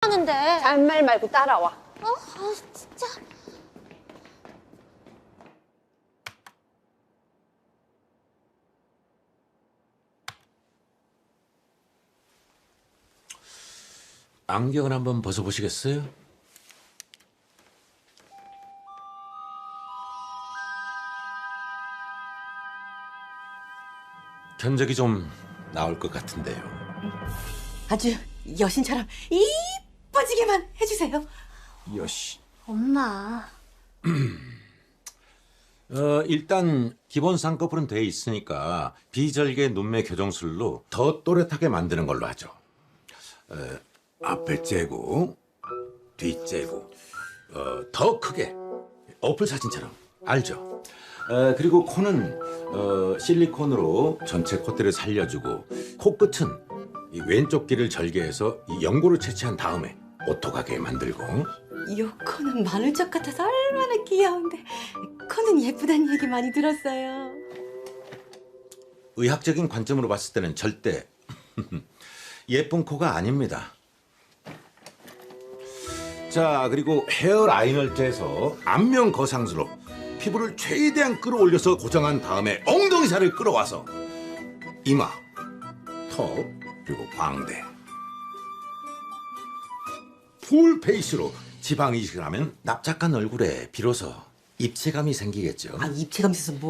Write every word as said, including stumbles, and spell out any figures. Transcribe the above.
하는데. 잔말 말고 따라와. 어? 아, 진짜. 안경을 한번 벗어보시겠어요? 견적이 좀 나올 것 같은데요. 아주 여신처럼 이뻐지게만 해주세요. 여시. 엄마. 어, 일단 기본 쌍꺼풀은 돼 있으니까 비절개 눈매 교정술로 더 또렷하게 만드는 걸로 하죠. 어, 앞에 째고 뒤 째고 어, 더 크게 어플 사진처럼 알죠? 어, 그리고 코는 어, 실리콘으로 전체 콧대를 살려주고 코끝은 이 왼쪽 귀를 절개해서 이 연고를 채취한 다음에 오토가게 만들고 요 코는 마늘젓 같아서 얼마나 귀여운데 코는 예쁘다는 얘기 많이 들었어요. 의학적인 관점으로 봤을 때는 절대 예쁜 코가 아닙니다. 자, 그리고 헤어라인을 째서 안면 거상수로 피부를 최대한 끌어올려서 고정한 다음에 엉덩이 살을 끌어와서 이마, 턱, 그리고 광대 풀페이스로 지방 이식을 하면 납작한 얼굴에 비로소 입체감이 생기겠죠. 아 입체감 있어서 뭐